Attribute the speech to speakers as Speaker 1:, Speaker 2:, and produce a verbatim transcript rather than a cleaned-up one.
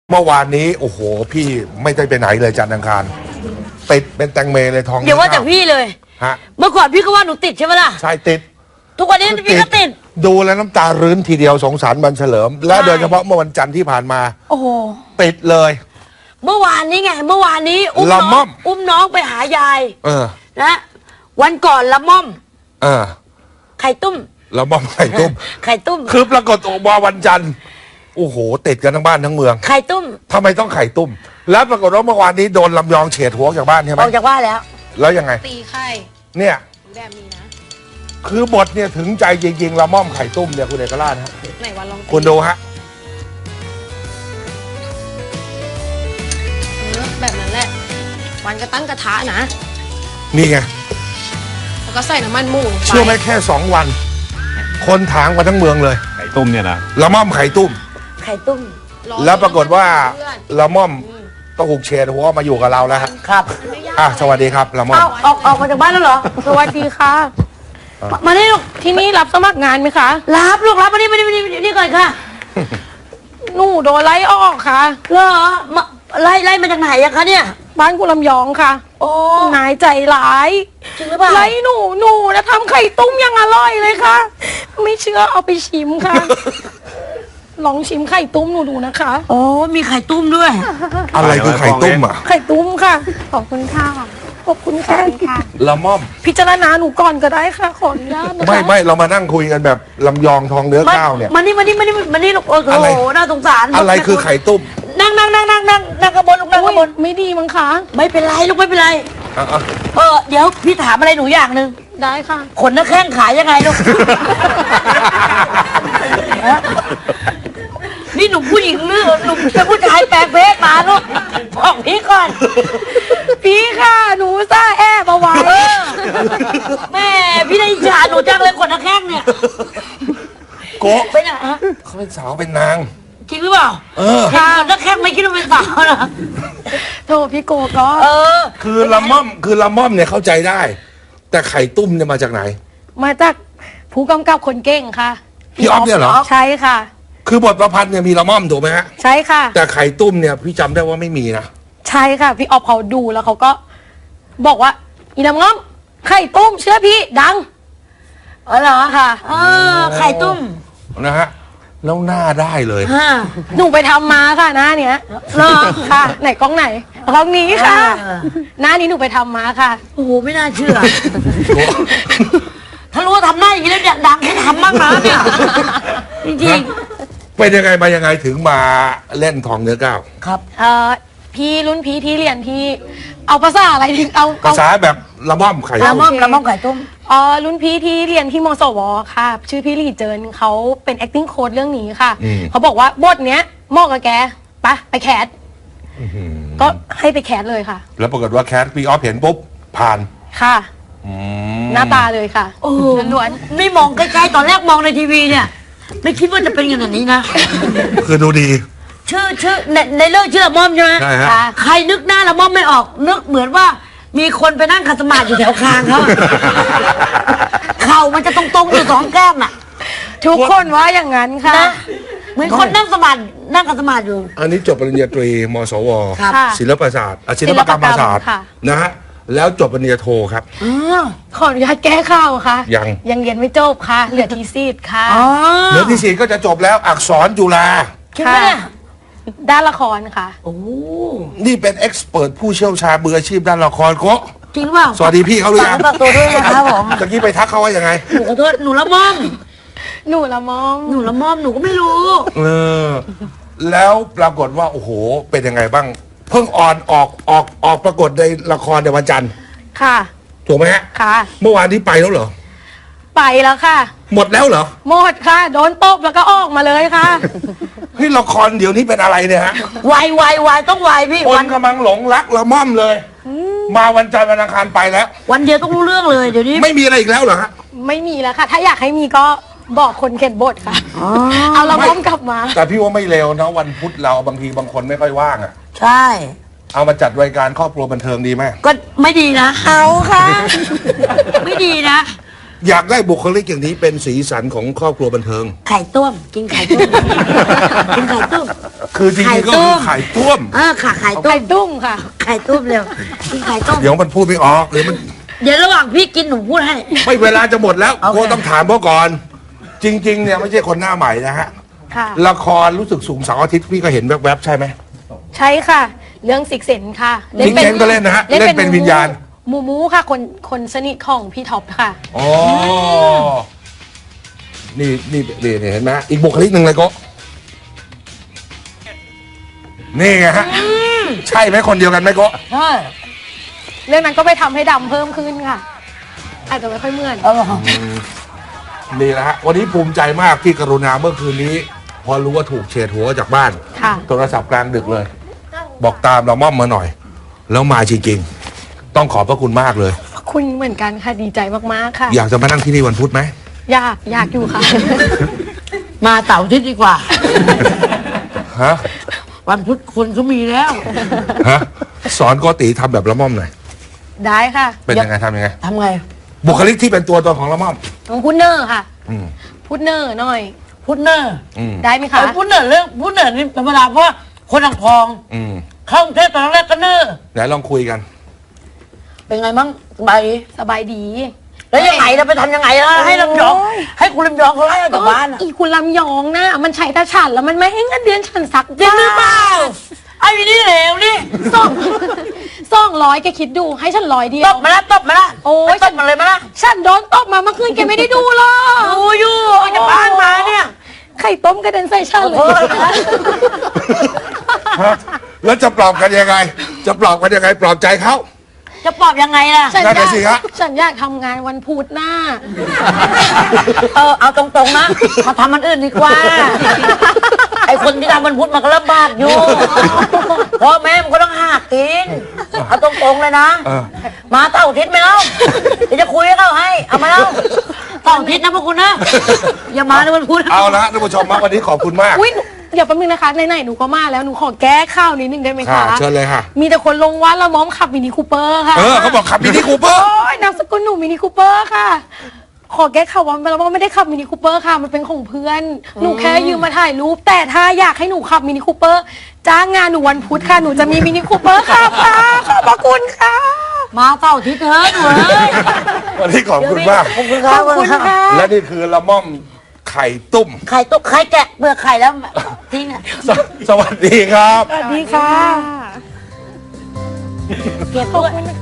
Speaker 1: เมื่อวานนี้โอ้โหพี่ไม่ได้ไปไหนเลยจันทร์อังคารติดเป็นแตงเมเลยทอง
Speaker 2: เดี๋ยวว่าจากพี่เลย
Speaker 1: ฮะ
Speaker 2: เมื่อก่อนพี่ก็ว่าหนูติดใช่ไหมล่ะ
Speaker 1: ใช่ติด
Speaker 2: ทุกวันนี้พี่ก็ติด
Speaker 1: ดูแล้วน้ำตารื้นทีเดียวสงสารบันเฉลิม และ
Speaker 2: ใช่
Speaker 1: โดยเฉพาะเมื่อวันจันทร์ที่ผ่านมา
Speaker 2: โอ้โห
Speaker 1: ติดเลย
Speaker 2: เมื่อวานนี้ไง เมื่อวานนี้อุ้ม
Speaker 1: ละ
Speaker 2: น้
Speaker 1: ม่
Speaker 2: อ
Speaker 1: อง ม
Speaker 2: อุ้มน้องไปหายาย
Speaker 1: เออ
Speaker 2: นะวันก่อนละม่อม
Speaker 1: เออ
Speaker 2: ไข่ตุ้ม
Speaker 1: แล้วมอมไข่ตุ้ม
Speaker 2: ไข่ตุ้ม
Speaker 1: คือปรากฏออกมาวันจันทร์โอ้โหติดกันทั้งบ้านทั้งเมือง
Speaker 2: ไข่ตุ้ม
Speaker 1: ทำไมต้องไข่ตุ้ม แล้วปรากฏว่าเมื่อวานนี้โดนลำยองเฉดหัวจากบ้านใช่ไหม
Speaker 2: ออกจากบ้านแล้ว
Speaker 1: แล้วยังไง
Speaker 3: ตีไข่
Speaker 1: เนี่ย
Speaker 3: แบบนี้นะ
Speaker 1: คือบทเนี่ยถึงใจจริงๆละม่อมไข่ตุ้มเนี่ยคุณเอกราชฮะ
Speaker 3: ไหนวันลองตี
Speaker 1: คุณดูฮะ
Speaker 3: เออแบบนั้นแหละ วันก็ตั้งกระทะนะ
Speaker 1: นี่ไง
Speaker 3: แล้วก็ใส่น้ำมันหมูลงไป
Speaker 1: เชื่อไหมแค่สองวัน คนถางมาทั้งเมืองเลย
Speaker 4: ไข่ต้มเนี่ยนะ
Speaker 1: ละม่อมไข่ตุ้ม
Speaker 2: ไข่ตุ้ม
Speaker 3: รอ
Speaker 1: แล้วปรากฏว่า
Speaker 3: เพื่อน
Speaker 1: ละม่อมต้องถูกเฉดหัวมาอยู่กับเราแล้วฮะ
Speaker 2: ครับ
Speaker 3: ไม่ยาก
Speaker 1: อ่ะสวัสดีครับละม่อม
Speaker 2: เอาออกออกมาจากบ้านแล้วเหรอ
Speaker 5: สวัสดีค่ะ
Speaker 2: มานี่ลูก
Speaker 5: ที่นี่รับสมัครงานไหมคะ
Speaker 2: รับลูกรับมานี่มานี่มานี่มานี่ก่อนค่ะ
Speaker 5: หนูโดนไล่ออกค่ะ
Speaker 2: เหรอมาไล่ไล่มาจากไหนอะคะเนี่ย
Speaker 5: บ้านกุลำยองค่ะ
Speaker 2: โอ้
Speaker 5: นายใจร้าย
Speaker 2: จริงหรือเปล่า
Speaker 5: ไล่หนูหนูแล้วทำไข่ตุ้มยังอร่อยเลยค่ะ ไม่เชื่อเอาไปชิมค่ะ ลองชิมไข่ตุ้มหนูดูนะคะ
Speaker 2: โอ้มีไข่ตุ้มด้วย
Speaker 1: อะไรคือไข่ตุ้มอ่ะ
Speaker 5: ไข่ตุ้มค่ะ ขอบคุณค่ะ ขอบคุณค่ะ
Speaker 1: ละม่อม
Speaker 5: พิจารณาหนูก่อนก็ได้ค่ะ ขออนุญาตนะคะ
Speaker 1: ไม่ไม่เรามานั่งคุยกันแบบลำยองทองเนื้อข้าวเนี่ย
Speaker 2: มานี่มานี่มานี่มานี่ลูกโอ้
Speaker 1: อะไร
Speaker 2: โหน่าสงสาร
Speaker 1: อะไรคือไข่ตุ้ม
Speaker 2: นั่งนั่งนั่งนั่งนั่งนั่งกระบนลูกนั่งก
Speaker 5: อุ๊
Speaker 2: ระ
Speaker 5: ย
Speaker 2: บน
Speaker 5: ไม่ดีมั้งคะ
Speaker 2: ไม่เป็นไรลูกไม่เป็นไร
Speaker 1: อ่ะอ่ะ
Speaker 2: เออเดี๋ยวพี่ถามอะไรหนูอย่างหนึ่ง
Speaker 5: ได้ค่ะ
Speaker 2: ขนหน้าแข้งขายยังไงลูก ฮะนี่หนูผู้หญิงหรือหนูเป็นผู้ชายแปลงเพศมาลูกบอกพี่ก่อน
Speaker 5: พี่ค่ะ หนูซ่าแอบเอาไว้
Speaker 2: เออแม่พี่ได้อิจฉาหนูจังเลยขนหน้าแข้งเนี่ย
Speaker 1: โกะ
Speaker 2: เป็นยังไงฮะ
Speaker 1: เขาเป็นสาวเป็นนาง
Speaker 2: จริงหรือเปล่า
Speaker 1: เออ
Speaker 2: เห็นขนหน้าแข้งไม่คิดว่าเป็นสาวเหรอ
Speaker 5: โทษพี่โกก็
Speaker 2: เออ
Speaker 1: คือละม่อมคือละม่อมเนี่ยเข้าใจได้ แต่ไข่ตุ้มเนี่ยมาจากไหน
Speaker 5: มาจากผู้กำกับคนเก่งค่ะ
Speaker 1: พี่อ๊อฟเนี่ยเหรอ
Speaker 5: ใช่ค่ะ
Speaker 1: คือบทประพันธ์เนี่ยมีละม่อมถูกไหมฮะ
Speaker 5: ใช่ค่ะ
Speaker 1: แต่ไข่ตุ้มเนี่ยพี่จำได้ว่าไม่มีนะ
Speaker 5: ใช่ค่ะ พี่ออฟเขาดูแล้วเขาก็บอกว่าอีน้ำง้อมไข่ตุ้มเชื่อพี่ดัง
Speaker 2: เออเหรอ
Speaker 5: ค่ะ
Speaker 2: เออไข่ตุ้ม
Speaker 1: นะฮะแล้วหน้าได้เลย
Speaker 2: ฮะ
Speaker 5: หนูไปทำมาค่ะหน้าเนี้ย
Speaker 2: เหรอ
Speaker 5: ค่ะ ไหนกล้องไหนกล้องนี้ค่ะ
Speaker 2: อ่า
Speaker 5: หน้านี้หนูไปทำมาค่ะ
Speaker 2: โอ้โหไม่น่าเชื่อ ถ้ารู้ว่าทำหน้าอย่างนี้แล้วอยากดังให้ทำบ้างนะเนี่ย จริง
Speaker 1: เป็นยังไงมายังไงถึงมาเล่นทองเนื้อก้าว
Speaker 2: ๆ ครับ
Speaker 5: เอ่อพี่รุ่นพี่ที่เรียนที่เอาภาษาอะไรถึงเอา
Speaker 1: ภาษาแบบละม่อมไข่
Speaker 2: ละ
Speaker 1: ตุ้ม
Speaker 2: ม่อมละม่อมไข่ตุ้ม
Speaker 5: เอ่อรุ่นพี่ที่เรียนที่มสวค่ะ ชื่อพี่ลี่เจินเขาเป็น acting coach เรื่องนี้ค่ะ เขาบอกว่าบทเนี้ยเหมาะกับแกไปไปแคสก็ให้ไปแคสเลยค่ะ
Speaker 1: แล้วปรากฏว่าแคทพี่ออฟเห็นปุ๊บผ่าน
Speaker 5: ค่ะ
Speaker 1: อืม
Speaker 5: หน้าตาเลยค่ะ
Speaker 2: โอ้โห
Speaker 5: ล้วน
Speaker 2: ไม่มองใกล้ๆตอนแรกมองในทีวีเนี่ย ไม่คิดว่าจะเป็นขนาดนี้นะ
Speaker 1: คือดูดี
Speaker 2: ชื่อชื่อในในเรื่องชื่อละม่อมใช่ไหม
Speaker 1: ใช่ฮะ
Speaker 2: ค่ะใครนึกหน้าละม่อมไม่ออก นึกเหมือนว่า มีคนไปนั่งขัดสมาธิอยู่แถวคางเขาอะเข่ามันจะตรงๆอยู่สองแก้มน่ะ
Speaker 5: ๆทุกคนว่าอย่างนั้นค่ะ
Speaker 2: นะเหมือนคนนั่งสมาธินั่งขัดสมาธิอยู่
Speaker 1: อันนี้จบปริญญาตรี มสว
Speaker 2: ครับ
Speaker 5: ค่ะ
Speaker 1: ศิลปศาสตร์อ่ะศิลปกรรมศาสตร์
Speaker 5: ค่ะ
Speaker 1: นะฮะแล้วจบปริญญาโทครับ
Speaker 2: อ๋อ
Speaker 5: ขออนุญาตแก้ข่าวค่ะ
Speaker 1: ยัง
Speaker 5: ยังเรียนไม่จบค่ะ เหลือทีซีดค่ะ
Speaker 2: อ๋อ
Speaker 1: เหลือที่สี่ก็จะจบแล้วอักษรจุฬา
Speaker 2: คิดไหมเนี่ย
Speaker 5: ด้านละครค่ะ
Speaker 2: โอ้
Speaker 1: นี่เป็นเอ็กซ์เปิดผู้เชี่ยวชาญมืออาชีพด้านละครโกะ
Speaker 2: จริงหรือเปล่า
Speaker 1: สวัสดีพี่เขาหรือยัง
Speaker 2: ฝากตัวด้วยนะครับผม
Speaker 1: ตะกี้ไปทักเขาว่ายังไง
Speaker 2: หนูขอโทษหนูละม่อม
Speaker 5: หนูละมอม
Speaker 2: หนูละม่อมหนูก็ไม่รู้
Speaker 1: เออ แล้วปรากฏว่า โอ้โห เป็นยังไงบ้าง เพิ่งออนออกออกออกปรากฏในละครในวันจันทร์
Speaker 5: ค่ะ
Speaker 1: ถูกไหมฮะ
Speaker 5: ค่ะ
Speaker 1: เมื่อวานนี้ไปแล้วเหรอ
Speaker 5: ไปแล้วค่ะ
Speaker 1: หมดแล้วเหรอ
Speaker 5: หมดค่ะ โดนตบแล้วก็ออกมาเลยค่ะ
Speaker 1: เฮ้ยละครเดี๋ยวนี้เป็นอะไรเนี่ยฮะ
Speaker 2: วายวายวายต้องวายพี่
Speaker 1: ค
Speaker 2: วัน น
Speaker 1: กำลังหลงรักละม่อมเลย มาวันจันทร์วันอังคารไปแล้ว
Speaker 2: วันเดียวต้องรู้เรื่องเลยเดี๋ยวนี้
Speaker 1: ไม่มีอะไรอีกแล้วเหรอฮะ
Speaker 5: ไม่มีแล้วค่ะ ถ้าอยากให้มีก็บอกคนเขียนบทค่ะ เอาละมอมกลับมา
Speaker 1: แต่พี่ว่าไม่เร็วนะวันพุธเราบางทีบางคนไม่ค่อยว่างอ่ะ
Speaker 2: ใช่
Speaker 1: เอามาจัดรายการครอบครัวบันเทิงดีไหม
Speaker 2: ก็ไม่ดีนะ
Speaker 5: เอาค่ะ
Speaker 2: ไม่ดีนะ
Speaker 1: อยากได้บุคลิกอย่างนี้เป็นสีสันของครอบครัวบันเทิง
Speaker 2: ไข่ต้มกินไข่ต้ม กินไข่ต้ม
Speaker 1: คือจริงๆก็คือไข่ต้ม
Speaker 2: เออค่ะไข่ต้
Speaker 5: ไข่
Speaker 2: ม
Speaker 5: ตุ้มค่ะ
Speaker 2: ไข่ต้มเร็วกินไข่ต้ม
Speaker 1: เดี๋ยวมันพูดไม่ออกหรือมัน
Speaker 2: เดี๋ยวระหว่างพี่กินหนูพูดให้
Speaker 1: ไม่เวลาจะหมดแล้ว
Speaker 2: โอเค
Speaker 1: โค้ชต้องถามเขาก่อน จริง ๆ เนี่ยไม่ใช่คนหน้าใหม่นะฮะ
Speaker 5: ค่ะ
Speaker 1: ละครรู้สึกสูงเสาร์อาทิตย์พี่ก็เห็นแวบๆใช่ไหม
Speaker 5: ใช่ค่ะ เรื่องซิกเซนค่ะ
Speaker 1: Six Sense ก็เล่นนะฮะเล่นเป็นวิญญาณ
Speaker 5: หมูมูค่ะ คนคนสนิทของพี่ท็อปค่ะ
Speaker 1: อ๋อ นี่นี่นี่นี่เห็นไหมอีกบุคลิกหนึ่งเลยโก็นี่ไงฮะ ใช่ไหมคนเดียวกันไหมโก็
Speaker 2: ใช่
Speaker 5: เรื่องนั้นก็ไปทำให้ดำเพิ่มขึ้นค่ะ อาจจะไม่ค่อยเหมือน
Speaker 2: เออ
Speaker 1: นี่แหละฮะ วันนี้ภูมิใจมากที่กรุณาเมื่อคืนนี้ พอรู้ว่าถูกเฉดหัวจากบ้าน
Speaker 5: ค่ะ
Speaker 1: โทรศัพท์กลางดึกเลย บอกตามเราม่อมมาหน่อย แล้วมาจริงๆ ต้องขอบพระคุณมากเลย
Speaker 5: คุณเหมือนกันค่ะ ดีใจมากๆค่ะ
Speaker 1: อยากจะมานั่งที่นี่วันพุธไหม
Speaker 5: อยากอยากอยู่ค่ะ
Speaker 2: มาเต่าร์อาทิตย์ดีกว่า
Speaker 1: ฮะ
Speaker 2: วันพุธคนเขามีแล้ว
Speaker 1: ฮะ สอนโกติทำแบบละม่อมหน่อย
Speaker 5: ได้ค่ะ
Speaker 1: เป็นยังไงทำยังไง
Speaker 2: ทำไง
Speaker 1: บุคลิกที่เป็นตัวตนของละม่อม
Speaker 5: ต้องพูดเนอร์ค่ะ
Speaker 1: อืม
Speaker 5: พูดเนอร์หน่อย
Speaker 2: พุทเนอร์
Speaker 1: อืม
Speaker 5: ได้ไหมคะ
Speaker 2: ไอ้พุทเนอร์เรื่องพุทเนอร์นี่ธรรมดาเพราะว่าคนอ่างทอง
Speaker 1: อืม
Speaker 2: เข้ากรุงเทพตอนแรกก็เนอร์
Speaker 1: ไหนลองคุยกัน
Speaker 2: เป็นไงบ้างสบายดี
Speaker 5: สบายดี
Speaker 2: แล้วยังไงเราไปทำยังไงล่ะให้ลำยอง
Speaker 5: โอ้ย
Speaker 2: ให้คุณลำยองเขาไล่ออกจากบ้านอะ
Speaker 5: อีคุณลำยองนะมันใช้ตาฉันแล้วมันไม่ให้เงินเดือนฉันสัก
Speaker 2: จริงหรือเปล่าไอ้นี่เหลวนี่
Speaker 5: สองสองร้อยแกคิดดูให้ฉันร้อยเดีย
Speaker 2: ต
Speaker 5: ว
Speaker 2: บมาละตบมาละ
Speaker 5: โอ้ย
Speaker 2: ไปตบมาเลยมาละ
Speaker 5: ฉันโดนตบมาเมื่อคืนแกไม่ได้ดูหรอก
Speaker 2: ดูอยู่ออกจากบ้านมาเนี่ย
Speaker 5: ไข่ต้มกระเด็นใส่ฉันเล
Speaker 2: โอ้
Speaker 5: ย
Speaker 2: ย
Speaker 1: ฮะ แล้วจะปลอบกันยังไง จะปลอบกันยังไง ปลอบใจเขา
Speaker 2: จะปลอบยังไงล่ะ
Speaker 5: ฉัน
Speaker 1: นั่น
Speaker 5: อยา
Speaker 1: น่ะ
Speaker 5: ก
Speaker 1: สิฮะ
Speaker 5: ฉันอยากทำงานวันพุธหน้า
Speaker 2: เออเอาตรงๆนะมาทำมันอื่นดีกว่า ไอ้คนที่ทำมันพุธมันก็ลำบากอยู่พ่อแม่มันก็ต้องหากินเอาตรงๆเลยนะ
Speaker 1: เออ
Speaker 2: มาเต่าร์อาทิตย์ไหมเล่าเดี๋ยวจะคุยให้เขาให้ เอามาเล่าเต่าร์อาทิตย์นะพวกคุณนะ อย่ามาในวันพุธ
Speaker 1: เอาละท่านผู้ชมมาวันนี้ขอบคุณมาก
Speaker 5: อุ้ยหนูเดี๋ยวแป๊บนึงนะคะไหนๆหนูก็มาแล้วหนูขอแก้ข่าวนิดนึงได้ไหม
Speaker 1: ค่ะ
Speaker 5: คะ
Speaker 1: เชิญเลยค่ะ
Speaker 5: มีแต่คนลงว่าละม้อมขับมินิคูเปอร์ค่ะ
Speaker 1: เออเขาบอกขับมินิคูเปอร์
Speaker 5: โอ้ยนามสกุลหนูมินิคูเปอร์ค่ะ ขอแก้ข่าวว่าละม้อมไม่ได้ขับมินิคูเปอร์ค่ะ มันเป็นของเพื่อน หนูแค่ยืมมาถ่ายรูป แต่ถ้าอยากให้หนูขับมินิคูเปอร์จ้างงานหนูวันพุธค่ะ หนูจะมีมินิคูเปอร์ค่ะค่ะขอบพระคุณค่ะ
Speaker 2: มาเต่าร์อาทิตย์เถอะหนูเอ้ย
Speaker 1: วันนี้ขอบคุณมาก
Speaker 2: ขอบคุณครับ
Speaker 5: ขอบคุณค่ะ
Speaker 1: และนี่คือละม่อมไข่ตุ้ม
Speaker 2: ไข่ตุ๊กไข่แกะเปลือกไข่แล้วทิ้งอ่ะ
Speaker 1: สสวัสดีครับ
Speaker 5: สวัสดีค่ะ
Speaker 2: เก็บ
Speaker 5: ขอบ
Speaker 2: ด้วย
Speaker 5: คุณ